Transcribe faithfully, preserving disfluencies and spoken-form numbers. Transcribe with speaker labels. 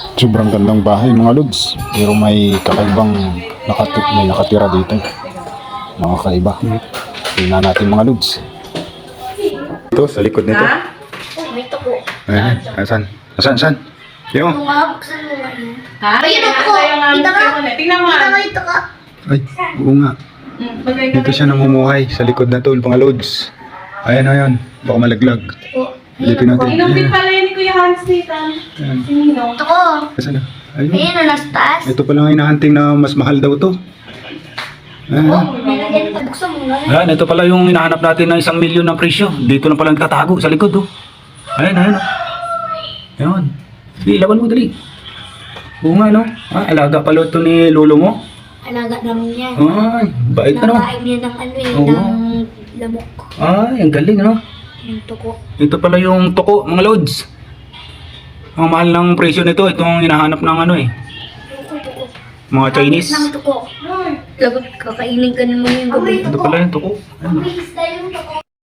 Speaker 1: Sobrang gandang bahay mga lods. Pero may kakaibang nakati may nakatira dito. Mga kaiba. Tingnan natin mga lods. Ito, sa likod nito.
Speaker 2: Ha? Oh, may tuko.
Speaker 1: Ayan, asan? Asan, asan? Yo.
Speaker 2: Kung nga, buksan mo nga yun.
Speaker 3: Ha?
Speaker 2: Ayun
Speaker 3: Tingnan
Speaker 2: ako.
Speaker 3: natin yung
Speaker 2: Kita ka.
Speaker 3: aming Tingnan mo.
Speaker 2: Kita ka ito ka.
Speaker 1: Ay, oo nga.
Speaker 3: Mm, bagay ka
Speaker 1: Dito siya namumuhay sa likod na to, mga lods. Ayan, ayan. Baka malaglag.
Speaker 2: Oh,
Speaker 1: Dito natin.
Speaker 3: Inom din pala yun ni Kuya Hans dito.
Speaker 1: Ayan.
Speaker 3: Si Ninong.
Speaker 2: ito ko.
Speaker 1: Asan na? Ayun.
Speaker 2: Ayun, oh, nasa taas.
Speaker 1: Ito pala nga hinahunting na mas mahal daw to. Ayan.
Speaker 2: Nilagyan pa. Buksan mo nga.
Speaker 1: Ayan, ito pala yung hinahanap natin na isang milyon ng presyo. Dito lang pala nagtatago sa likod, oh. Ayan, ayan, oh. Ayan. Di, laban mo, dali. Oo nga, no? Ah, alaga pala ito ni lolo mo.
Speaker 2: Alaga namin yan.
Speaker 1: Ay, bait na, no?
Speaker 2: Nakain niya ng ano eh,
Speaker 1: Oo.
Speaker 2: ng lamok.
Speaker 1: Ay, ang galing, no?
Speaker 2: Ng tuko.
Speaker 1: Ito pala yung tuko, mga lods. Ang mahal ng presyo nito, itong hinahanap ng ano eh.
Speaker 2: Tuko, tuko.
Speaker 1: Mga Chinese.
Speaker 2: Ng tuko. Lagot, kakainin ka naman yung gabi.
Speaker 1: Ito pala yung tuko. Ayan, oh.
Speaker 2: Isda yung tuko.